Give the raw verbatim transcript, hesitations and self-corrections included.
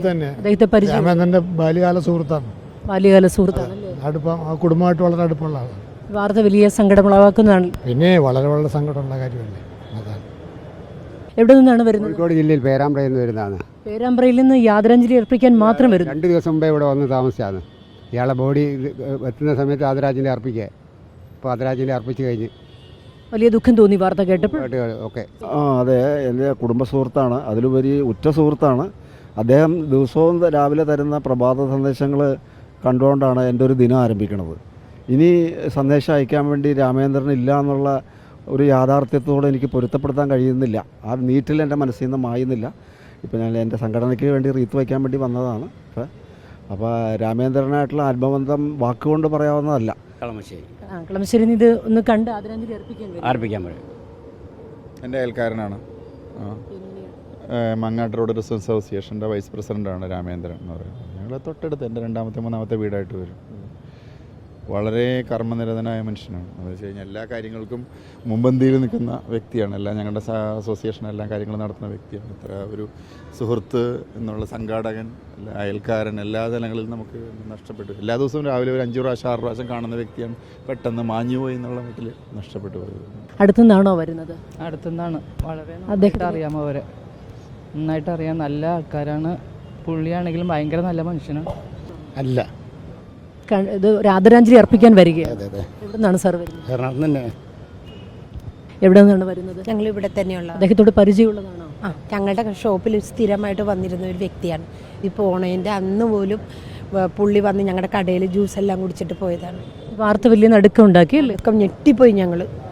തന്നെ രാമേന്ദ്രന്റെ ബാല്യകാല സുഹൃത്താണ്. ബാല്യകാല സുഹൃത്താണ്. അടുപ്പം ആ കുടുംബമായിട്ട് വളരെ അടുപ്പമുള്ള ആളാണ്. വാർത്ത വലിയ സങ്കടമുളവാക്കുന്നതാണ്. പിന്നെ വളരെ വളരെ സങ്കടമുള്ള കാര്യമല്ലേ. അതാണ്. എവിടെ നിന്നാണ് വരുന്നത്? കോഴിക്കോട് ജില്ലയിൽ പേരാമ്പ്രയിൽ നിന്ന് വരുന്നതാണ്. പേരാമ്പ്രയിൽ നിന്ന് യാദരാഞ്ജലി അർപ്പിക്കാൻ മാത്രം വരുന്നു. രണ്ട് ദിവസം മുമ്പേ ഇവിടെ വന്ന് താമസിച്ചാണ്. ഇയാളെ ബോഡി എത്തുന്ന സമയത്ത് ആദരാഞ്ജലി അർപ്പിക്കുക. ഇപ്പോൾ ആദരാഞ്ജലി അർപ്പിച്ച് കഴിഞ്ഞ് വലിയ ദുഃഖം തോന്നി വാർത്ത കേട്ടപ്പോൾ. ഓക്കെ. ആ അതെ, എൻ്റെ കുടുംബ സുഹൃത്താണ്, അതിലുപരി ഉറ്റ സുഹൃത്താണ്. അദ്ദേഹം ദിവസവും രാവിലെ തരുന്ന പ്രഭാത സന്ദേശങ്ങൾ കണ്ടുകൊണ്ടാണ് എൻ്റെ ഒരു ദിനം ആരംഭിക്കുന്നത്. ഇനി സന്ദേശം അയക്കാൻ വേണ്ടി രാമേന്ദ്രൻ ഇല്ല എന്നുള്ള ഒരു യാഥാർത്ഥ്യത്തോടെ എനിക്ക് പൊരുത്തപ്പെടുത്താൻ കഴിയുന്നില്ല. ആ നീറ്റിൽ എൻ്റെ മനസ്സിൽ നിന്ന് മായുന്നില്ല. ഇപ്പോൾ ഞാൻ എൻ്റെ സംഘടനയ്ക്ക് വേണ്ടി റീത്ത് വയ്ക്കാൻ വേണ്ടി വന്നതാണ്. ഇപ്പോൾ അപ്പോൾ രാമേന്ദ്രനായിട്ടുള്ള ആത്മബന്ധം വാക്കുകൊണ്ട് പറയാവുന്നതല്ല. കളമശ്ശേരി കളമശ്ശേരി ഇത് ഒന്ന് കണ്ട് ആദരാഞ്ജലി അർപ്പിക്കാൻ അർപ്പിക്കാൻ പറയും. എൻ്റെ അയൽക്കാരനാണ്. മങ്ങാട്ട് റോഡ് റിസോഴ്സ് അസോസിയേഷൻ്റെ വൈസ് പ്രസിഡൻ്റാണ് രാമേന്ദ്രൻ എന്ന് പറയുന്നത്. ഞങ്ങൾ തൊട്ടടുത്ത് എൻ്റെ രണ്ടാമത്തെ മൂന്നാമത്തെ വീടായിട്ട് വരും. വളരെ കർമ്മനിരതനായ മനുഷ്യനാണ്. എന്ന് വെച്ച് കഴിഞ്ഞാൽ എല്ലാ കാര്യങ്ങൾക്കും മുൻപന്തിയിൽ നിൽക്കുന്ന വ്യക്തിയാണ്. എല്ലാം ഞങ്ങളുടെ അസോസിയേഷൻ എല്ലാ കാര്യങ്ങളും നടത്തുന്ന വ്യക്തിയാണ്. ഇത്ര ഒരു സുഹൃത്ത് എന്നുള്ള സംഘാടകൻ, അയൽക്കാരൻ എല്ലാ തലങ്ങളിലും നമുക്ക് നഷ്ടപ്പെട്ടു. എല്ലാ ദിവസവും രാവിലെ ഒരു അഞ്ചു പ്രാവശ്യം ആറ് പ്രാവശ്യം കാണുന്ന വ്യക്തിയാണ്. പെട്ടെന്ന് മാഞ്ഞുപോയി എന്നുള്ള മട്ടിൽ നഷ്ടപ്പെട്ടു പോയത്. അടുത്തുനിന്നാണോ വരുന്നത്? അടുത്തുനിന്നാണ്. വളരെ അദ്ദേഹത്തെ അറിയാമോ? അവരെ നന്നായിട്ട് അറിയാം. നല്ല ആൾക്കാരാണ്. പുള്ളിയാണെങ്കിലും ഭയങ്കര നല്ല മനുഷ്യനാണ്. അല്ല, ഇത് ഒരു ആദരാഞ്ജലി അർപ്പിക്കാൻ വരികയാണ്. എവിടെ നിന്നാണ് സാർ വരുന്നത്? എറണാകുളം തന്നെ. എവിടെ നിന്നാണ് വരുന്നത്? ഞങ്ങൾ ഇവിടെ തന്നെയുള്ള. അദ്ദേഹത്തോട് പരിചയമുള്ളതാണോ? ആ, ഞങ്ങളുടെ ഷോപ്പിൽ സ്ഥിരമായിട്ട് വന്നിരുന്ന ഒരു വ്യക്തിയാണ്. ഇപ്പോൾ ഓണേൻ്റെ അന്ന് പോലും പുള്ളി വന്ന് ഞങ്ങളുടെ കടയിൽ ജ്യൂസ് എല്ലാം കുടിച്ചിട്ട് പോയതാണ്. വാർത്ത വലിയ നടുക്കം ഉണ്ടാക്കി അല്ലേ? ഞെട്ടിപ്പോയി ഞങ്ങൾ.